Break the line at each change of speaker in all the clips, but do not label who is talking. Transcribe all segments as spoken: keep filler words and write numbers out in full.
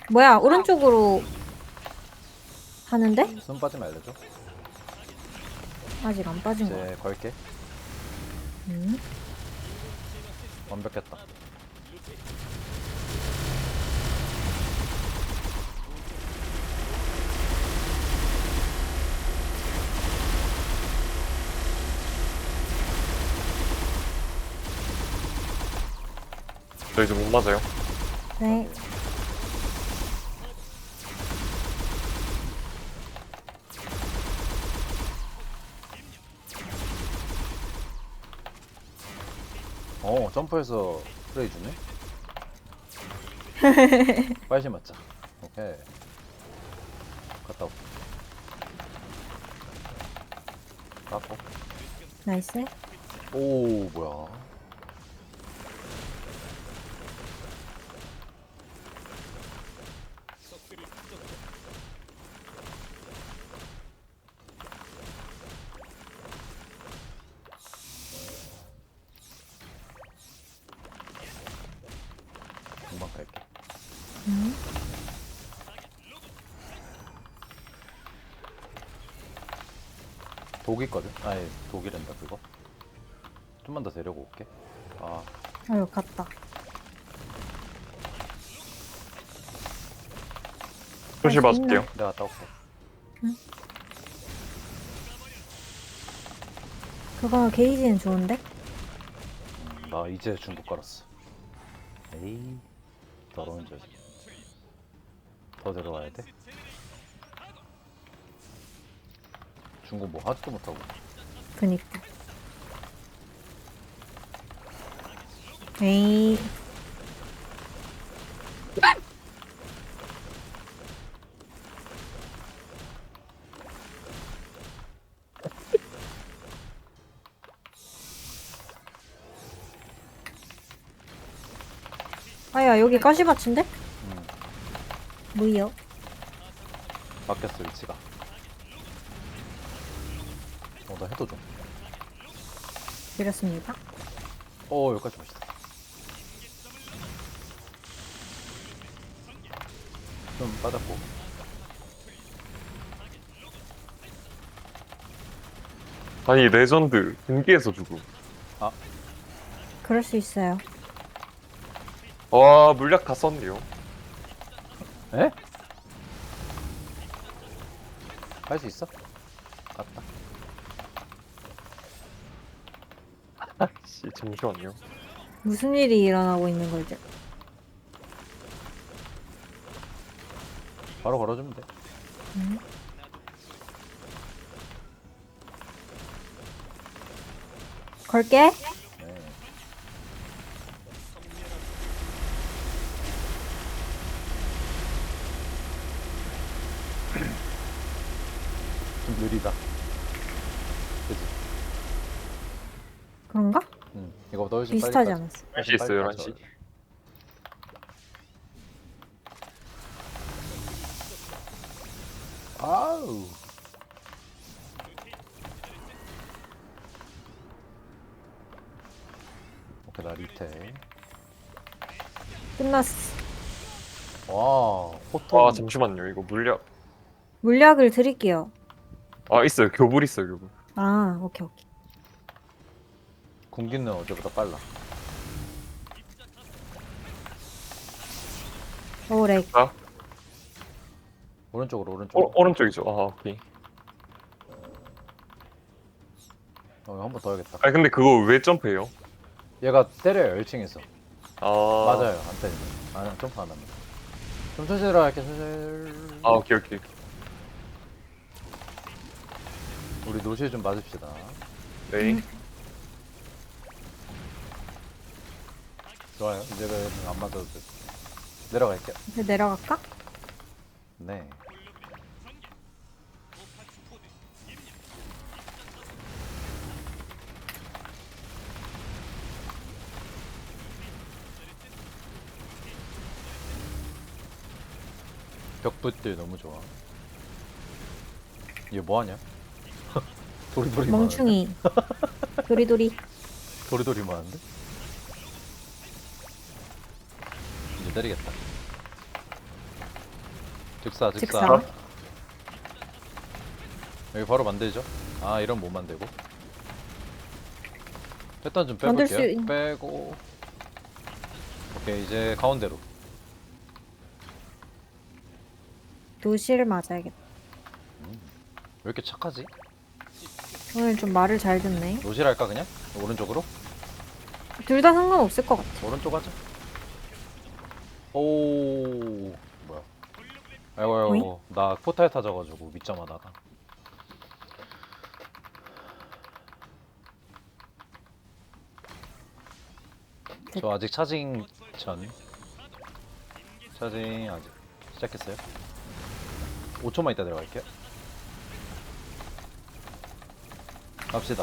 뭐야, 오른쪽으로 하는데?
숨 빠지면 알려줘.
아직 안 빠진 거야.
이제 걸게.
음.
완벽했다.
저 이제 못 맞아요.
네.
어, 점프해서 플레이 주네. 빨리 맞자. 오케이. 갔다 올게. 깎고.
나이스.
오, 뭐야. 금방 갈게.
음.
독 있거든? 아니, 독이란다, 그거. 좀만 더 데리고 올게. 아,
아유, 갔다.
표시
할수
봐줄게요.
내가 갔다 올게.
그거 게이지는 좋은데?
음, 나 이제 중국 깔았어. 에이, 더러운 자식. 더 데려와야 돼? 중국 뭐 하지도 못하고.
그니까. 에이. 아야, 여기 가시밭인데?
음,
뭐요?
바뀌었어, 위치가. 어, 나 해도 좀.
드렸습니다.
어, 여기까지 멋있다. 좀 빠졌고.
아니 레전드 경기에서 죽음.
그럴 수 있어요.
와 물약 다 썼네요.
에? 할 수 있어? 갔다.
씨 잠시만요.
무슨 일이 일어나고 있는 거지?
바로 걸어주면 돼.
음. 걸게.
네. 좀 느리다. 그치?
그런가?
응. 이거보다 훨씬 빨리
비슷하지
빠져.
않았어.
할 수 있어요 한 시.
아우. 오케이, 나 리테.
끝났어.
와, 포토.
아 잠시만요 이거 물약.
물약을 드릴게요.
아 있어요 교불 있어요 교불.
아, 오케이, 오케이.
군기는 어제보다 빨라.
오, 렉.
아
오른쪽으로, 오른쪽.
오, 오른쪽이죠. 아 오케이.
어, 한 번 더 해야겠다.
아 근데 그거 왜 점프해요?
얘가 때려요, 일 층에서.
아
맞아요, 안 때리네. 아, 점프 안 합니다. 좀 천천히 들어갈게, 천천히.
아 오케이 오케이.
우리 노실 좀 맞읍시다.
네.
음.
좋아요. 이제는 안 맞아도 돼. 내려갈게요.
이제 내려갈까?
네. 벽붙들 너무 좋아. 얘 뭐하냐? 도리도리
멍충이. 도리도리.
많은데? 도리도리 많은데? 이제 때리겠다. 즉사 즉사.
즉사.
여기 바로 만들죠. 아 이런 못 만들고. 패턴 좀
만들 수
빼볼게요.
있-
빼고. 오케이 이제 가운데로.
도시를 맞아야겠다.
왜 이렇게 착하지?
오늘 좀 말을 잘 듣네.
노실 할까 그냥? 오른쪽으로?
둘 다 상관없을 것 같아.
오른쪽 하자. 오 뭐야? 아이고 아이고 나 포탈 타져가지고 밑점하다가. 저 아직 차징 전. 차징 아직 시작했어요. 오 초만 있다 들어갈게요. 갑시다.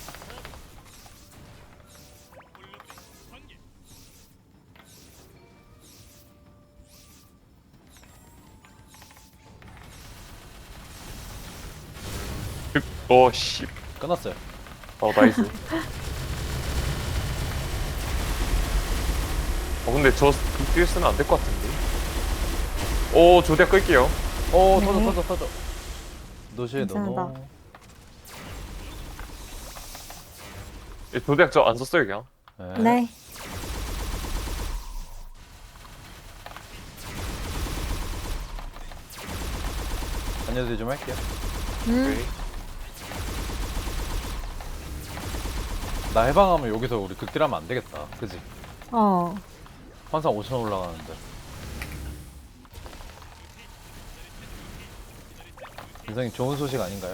어, 씨.
끝났어요.
어, 나이스. 어, 근데 저 극딜 쓰면 안 될 것 같은데. 오, 조대 끌게요.
오
네.
터져 터져 터져. 노실
괜찮다.
노노.
이 조대 저안 썼어요, 그냥.
네.
안녕들 좀 할게요.
음.
오케이.
나 해방하면 여기서 우리 극딜하면 안 되겠다. 그지?
어.
항상 오천 올라가는데. 굉장히 좋은 소식 아닌가요?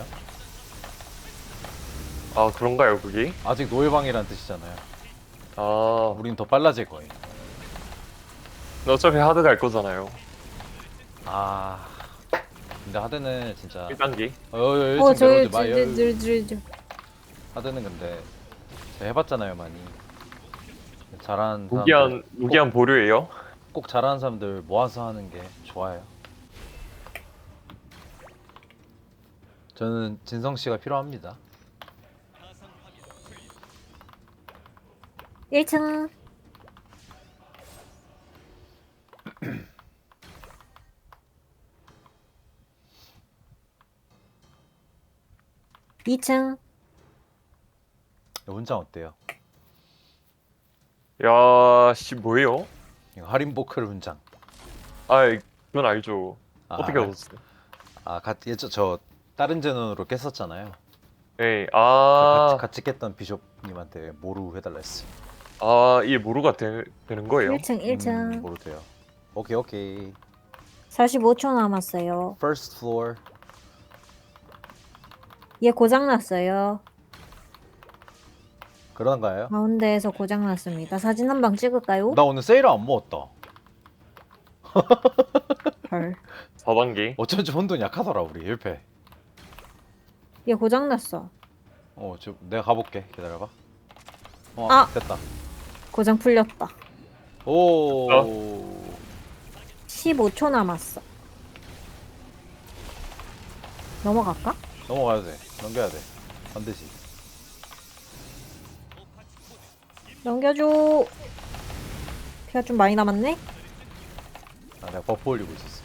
아, 그런가요, 그게?
아직 노예방이란 뜻이잖아요.
아,
우린 더 빨라질 거예요.
근데 어차피 하드 갈 거잖아요.
아. 근데 하드는 진짜.
일 단계.
어, 어, 어,
어,
지금
저기,
내려오지
저,
마요.
저, 저, 저, 저.
하드는 근데 제가 해봤잖아요, 많이. 잘하는 사람들.
무기한, 무기한 보류예요.
꼭 잘하는 사람들 모아서 하는 게 좋아요. 저는 진성 씨가 필요합니다.
일 층. 이 층.
혼자 어때요?
야, 씨, 뭐예요?
이거 할인보클 훈장.
아, 그건 알죠.
아,
어떻게 얻었어요?
아, 같이 저, 저 다른 제논으로 깼었잖아요.
네,
같이,
아,
같이 깼던 비숍님한테 모루 해달라 했어.
아, 이게 모루가 되, 되는 거예요?
일 층, 일 층.
음, 모루 돼요. 오케이, 오케이.
사십오 초 남았어요.
First floor.
얘 고장났어요.
그런가요?
가운데에서 고장났습니다. 사진 한 방 찍을까요?
나 오늘 세일을 안 먹었다.
헐.
사 단계.
어쩐지 혼돈 약하더라 우리 일 패.
얘 고장났어.
어, 저 내가 가볼게. 기다려봐. 어,
아!
됐다.
고장 풀렸다.
오.
십오 초 남았어. 넘어갈까?
넘어가야 돼. 넘겨야 돼. 반드시.
넘겨줘. 피가 좀 많이 남았네?
아, 내가 버프 올리고 있었어.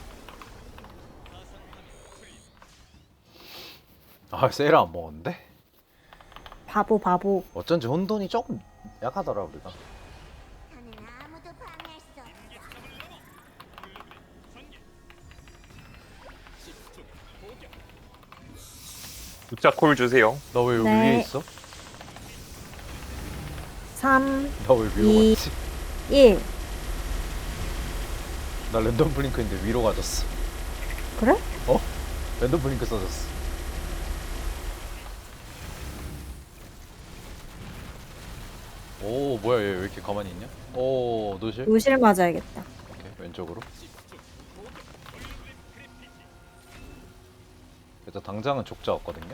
아, 세일 안 먹었는데?
바보 바보.
어쩐지 혼돈이 조금 약하더라 우리가.
저는 아무도 방해할 수 없어.
숫자 콜 주세요.
너 왜 여기
네.
위에 있어?
삼,
나 왜 위로
이.
갔지?
일.
나 랜덤 블링크인데 위로 가졌어.
그래?
어? 랜덤 블링크 써졌어. 오, 뭐야 얘 왜 이렇게 가만히 있냐? 오, 노실?
요실 맞아야겠다.
오케이, 왼쪽으로. 일단 당장은 족자 없거든요.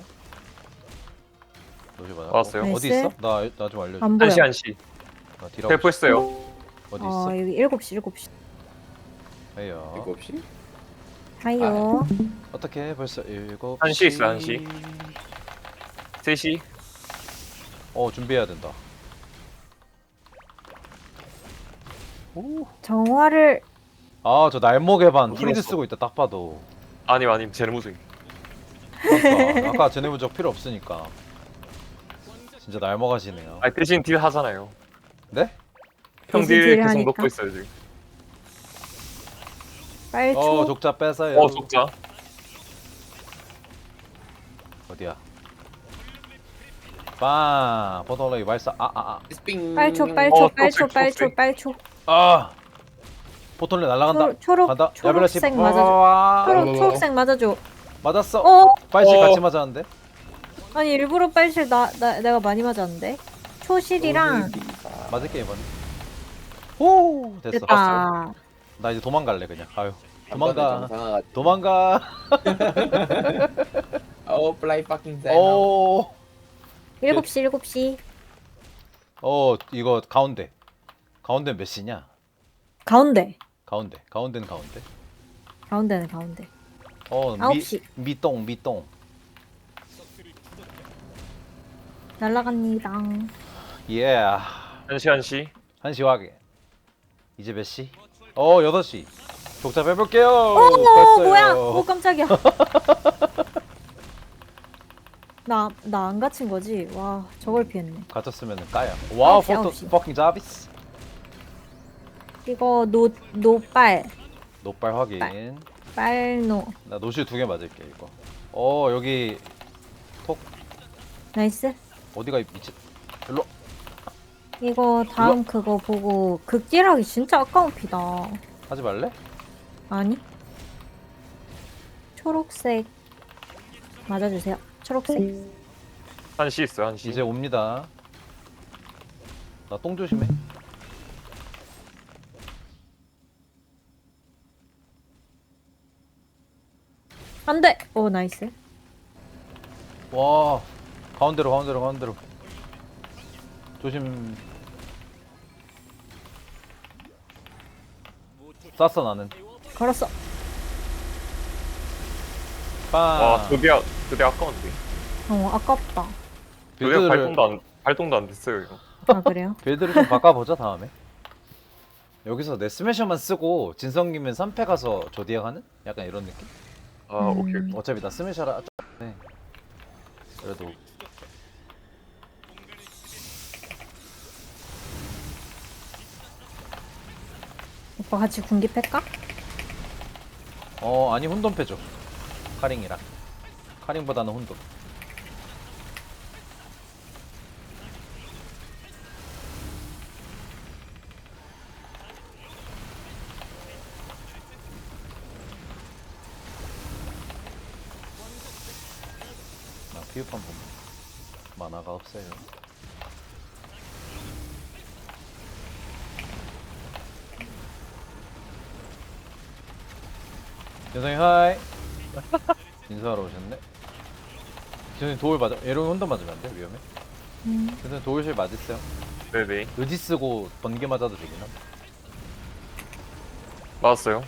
노실 맞아.
왔어요.
어, 어디
나이스.
있어? 나 나 좀 알려줘.
안 보여.
한시 한시.
나 딜하고
텔포했어요.
싶어. 어디
어,
있어?
여기 일곱 시, 일곱 시.
에이요.
일곱 시?
하이요.
어떻게 벌써 일곱
한시 있어, 한시. 셋시.
어, 준비해야 된다. 오,
정화를
아 저 날목에 반
못
프리드
들었어.
쓰고 있다 딱 봐도.
아님 아님 쟤네 무슨
그러니까 아까 쟤네 부적 필요 없으니까. 진짜 날먹하시네요.
아니 대신 딜 하잖아요.
네?
형
대신
딜
딜
계속
하니까.
넣고 있어요 지금.
빨초.
어 족자 뺏어요.
어 속자.
어디야? 빵 포털레이 발사. 아아 아.
스핑.
빨초
어,
빨초 빨초
초록색,
빨초
초록색.
빨초.
아. 포털레이 날아간다.
초, 초록
간다.
초록색
야벨라씨.
맞아줘.
와.
초록 초록색 맞아줘.
맞았어.
어?
빨실
어.
같이 맞았는데.
아니 일부러 빨실 나, 나 내가 많이 맞았는데. 초실이랑
맞을게 이번에. 오 됐어.
됐다.
나 이제 도망갈래 그냥. 아유
한 번에
도망가.
정상화가.
도망가.
어 플라이 파킹 세.
오.
일곱 시 일곱 시.
어 이거 가운데. 가운데 몇 시냐?
가운데.
가운데. 가운데는 가운데.
가운데는 가운데.
어
아홉
미,
시.
미똥 미똥.
날라갑니다.
예.
한시 한시.
한시 확인. 이제 몇 시? 어 여섯 시. 족자 빼볼게요.
어
뺐어요.
뭐야? 오 깜짝이야. 나 나 안 갇힌 거지? 와 저걸 피했네.
갇혔으면 까요. 와우
아홉 시,
포토
아홉 시.
퍼킹 자비스.
이거 노 노빨
노빨 확인.
빨. 빨노.
나 노실 두 개 맞을게 이거. 어 여기
나이스.
어디가 미치? 일로.
이거 다음 그거 보고 극딜하기 진짜 아까운 피다.
하지 말래?
아니? 초록색 맞아주세요. 초록색.
한시 있어요 한시.
이제 옵니다. 나 똥 조심해.
안돼. 오 나이스.
와 가운데로 가운데로 가운데로. 조심. 쐈어 나는.
걸었어.
빵.
와 그게 아- 그게 아까운데.
어 아깝다.
그게
빌드를
발동도 안 발동도 안 됐어요 이거.
아 그래요?
빌드를 좀 바꿔보자 다음에. 여기서 내 스매셔만 쓰고 진성님은 삼 패 가서 조디악 하는? 약간 이런 느낌?
아
음.
오케이 오케이.
어차피 나 스매셔라. 네. 그래도
오빠 같이 군기 팰까?
어 아니 혼돈 패줘. 카링이랑. 카링보다는 혼돈. 나 피우판 보면 만화가 없어요. 여성이 하이. 인사하러 오셨네. 지금 도울 맞아. 에로는 혼돈 맞으면 안 돼? 위험해.
음.
그래서 도울실 맞으세요.
네네
의지 쓰고 번개 맞아도 되긴 함.
맞았어요.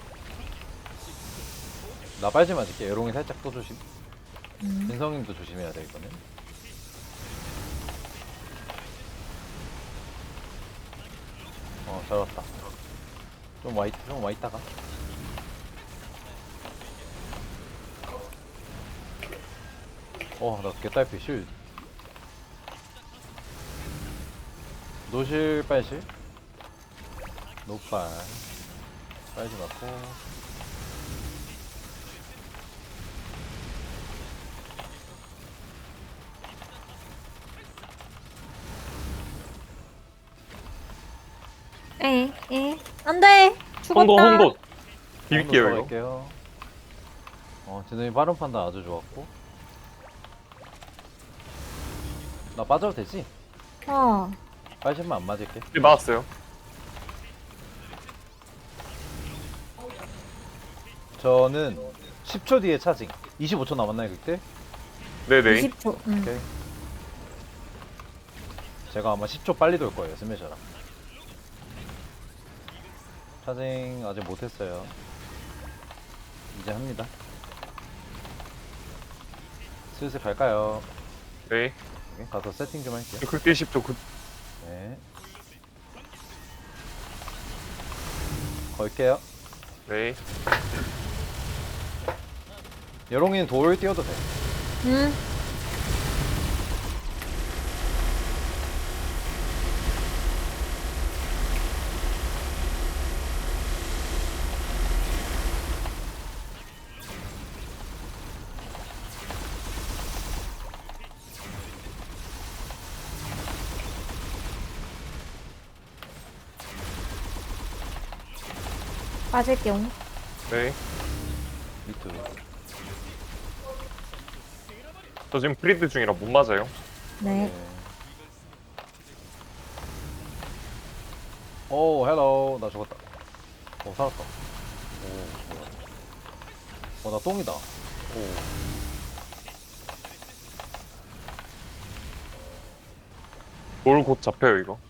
나 빨지 맞을게. 에롱이 살짝 또 조심.
음.
진성님도 조심해야 돼 이거는. 어, 잘 왔다. 좀 와, 있, 좀 와 있다가. 어, 나 개딸피 실. 노실 빨실. 노빨. 빨지 맞고.
에, 에. 안돼. 죽었다.
홍돈 홍돈. 비빌게요 이거.
들어갈게요. 어, 진성이 빠른 판단 아주 좋았고. 나 빠져도 되지?
어.
빨실만 안 맞을게.
네, 맞았어요.
저는 십 초 뒤에 차징. 이십오 초 남았나요 그때?
네네.
이십 초. 음.
오케이. 제가 아마 십 초 빨리 돌 거예요 스매셔랑. 차징 아직 못했어요. 이제 합니다. 슬슬 갈까요?
네.
오케이, 가서 세팅 좀 할게요.
극딜 십 초 그
네. 걸게요.
네.
여롱이는 돌 띄워도 돼.
응. 빠질게요.
네.
미투.
저 지금 프리드 중이라 못 맞아요.
네.
오, 헬로. 나 죽었다. 오, 살았다. 오, 뭐야. 어, 나 똥이다. 오.
돌 곧 잡혀요 이거.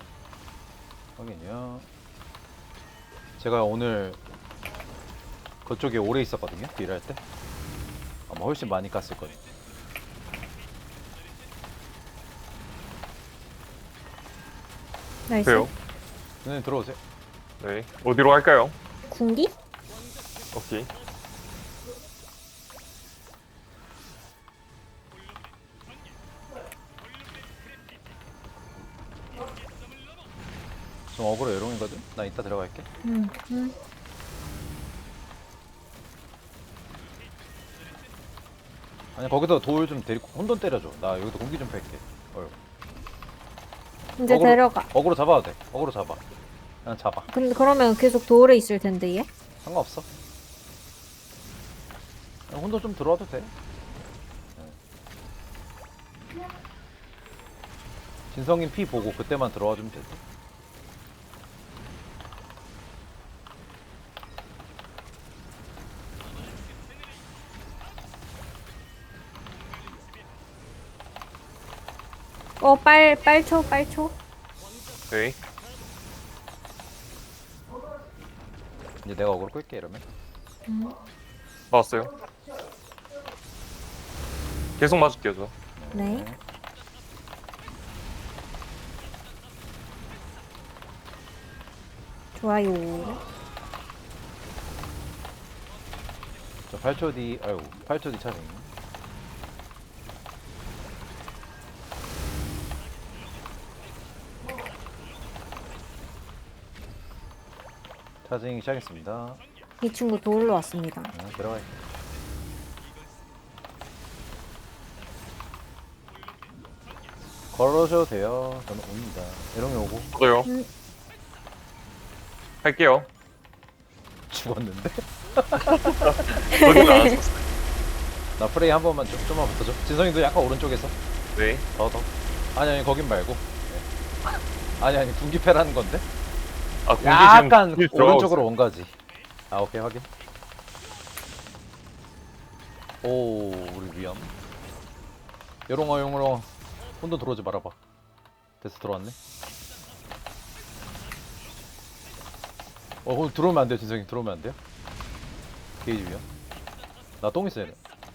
확인이요. 제가 오늘 그쪽에 오래 있었거든요. 일할 때. 아마 훨씬 많이 깠을 거예요.
나이스.
돼요.
선생님 들어오세요.
네. 어디로 갈까요?
군기?
오케이.
좀 어그로 여롱이거든. 나 이따 들어갈게.
응. 응.
아니 거기서 돌 좀 데리고 혼돈 때려줘. 나 여기서 공기 좀 팰게. 어휴.
이제
어그로-
데려가.
어그로 잡아도 돼. 어그로 잡아. 그냥 잡아.
근데 그러면 계속 돌에 있을 텐데 얘?
상관없어. 그냥 혼돈 좀 들어와도 돼. 네. 진성님 피 보고 그때만 들어와 주면 돼.
어, 빨, 빨초, 빨초.
네.
이제 내가 어그로 끌게 이러면.
나왔어요. 계속 맞을게요 저.
네. 좋아요.
저 팔 초 뒤, 아유, 팔 초 뒤 차징. 차징 시작했습니다.
이 친구 돌로 왔습니다.
네, 들어갈게. 걸어셔도 돼요. 저는 옵니다. 에롱이 오고
저요.
음.
할게요.
죽었는데?
저기는 안 왔었어요.
나 프레이 한 번만 좀, 좀만 붙어줘. 진성이도 약간 오른쪽에서.
네.
더, 더. 아니, 아니, 거긴 말고. 네. 아니, 아니, 군기패라는 건데?
아 공기
약간
지금 딜 들어가고
오른쪽으로
있어요.
온 거지. 아, 오케이, 확인. 오, 우리 위험. 요롱아, 요롱아. 혼돈 들어오지 말아봐. 됐어, 들어왔네. 어, 그럼 들어오면 안 돼요, 진성이. 들어오면 안 돼요? 게이지 위험. 나 똥 있어야 돼.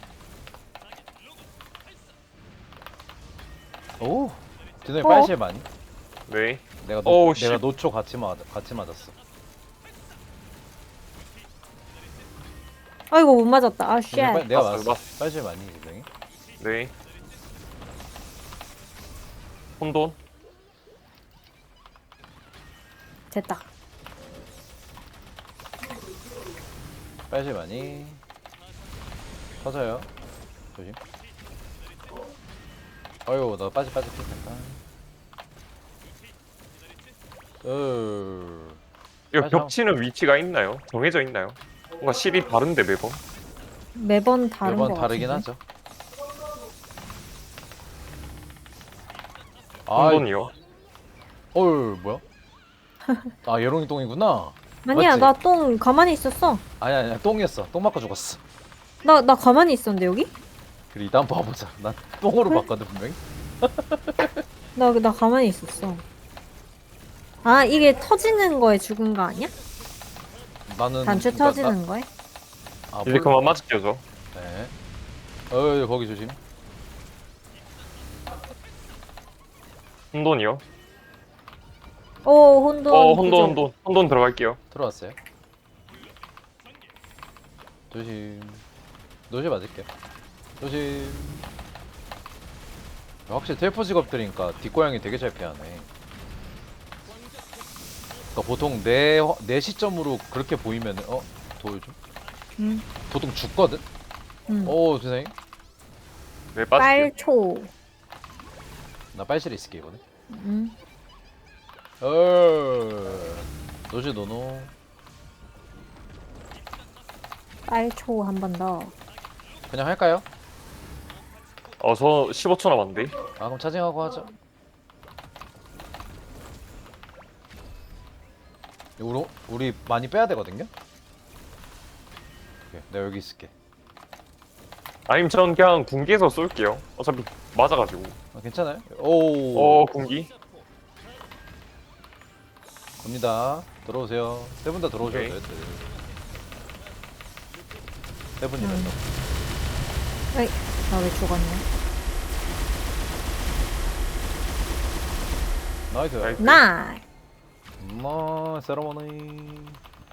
오, 진성이
어?
빨실 많이?
네.
내가 노,
어우,
내가
씨.
노초 같이 맞 같이 맞았어.
아이고, 못 맞았다. 아, 쉣.
진성이 빨- 내가
맞았어요,
맞았어. 빨실 많이 진성이.
네. 혼돈.
됐다.
빨실 많이. 터져요. 조심. 아유, 나 빠지 빠지 잠깐. 으.
이거
맞아.
겹치는 위치가 있나요? 정해져 있나요? 뭔가 실이 다른데 매번.
매번 다른
매번
거
다르긴
같은데.
하죠. 아,
혼돈이요.
어유 뭐야? 아, 예롱이 똥이구나.
아니야,
맞지?
나 똥 가만히 있었어.
아니 아니야, 똥이었어. 똥 맞고 죽었어.
나, 나 가만히 있었는데, 여기?
그래, 이따 한번 봐보자. 난 똥으로 봤거든 분명히.
나, 나 가만히 있었어. 아, 이게 터지는 거에 죽은 거 아니야?
나는
단추
그러니까
터지는 거에?
나, 아,
이제
몰라.
그만 맞을게요 저.
네. 어, 거기 조심.
혼돈이요.
오, 혼돈.
어 혼돈
구조.
혼돈 혼돈 들어갈게요.
들어왔어요. 조심. 노실 맞을게. 조심. 확실히 텔포 직업들이니까 뒷고양이 되게 잘 피하네. 그러니까 보통 내, 화- 내 시점으로 그렇게 보이면 어? 도울 좀?
응.
보통 죽거든?
응.
오 세상에.
네, 빠질게요.
빨초.
나 빨실에 있을게 이번에.
응.
어. 노실 노노.
빨초 한 번 더.
그냥 할까요?
어, 저 십오 초 남았는데.
아 그럼 차징하고 하자. 우리, 우리 많이 빼야 되거든요? 오케이, 내가 여기 있을게.
아니면 전 그냥 군기에서 쏠게요. 어차피 맞아가지고.
아, 괜찮아요? 오
어, 군기.
갑니다. 들어오세요. 세 분 다 들어오셔도
오케이.
돼요. 세 분이면서.
에이, 나 왜 죽었냐?
나이스.
나이스.
나이.
엄마 세러머니.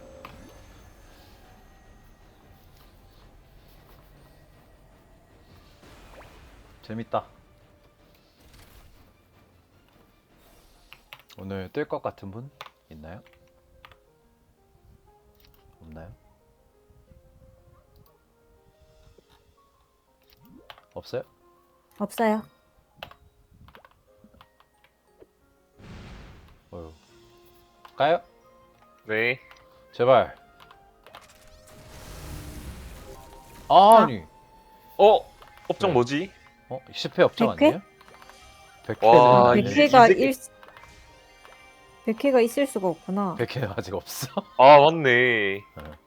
재밌다. 오늘 뜰 것 같은 분 있나요? 없나요? 없어요?
없어요.
어휴. 가요?
네.
제발. 아니.
어? 업적
네.
뭐지?
어? 십 회 업적
백 회?
아니에요? 백
와,
회는
백
백
회.
회가
이제-
일 백 회가 있을 수가 없구나.
백 회 아직 없어.
아, 맞네.
네.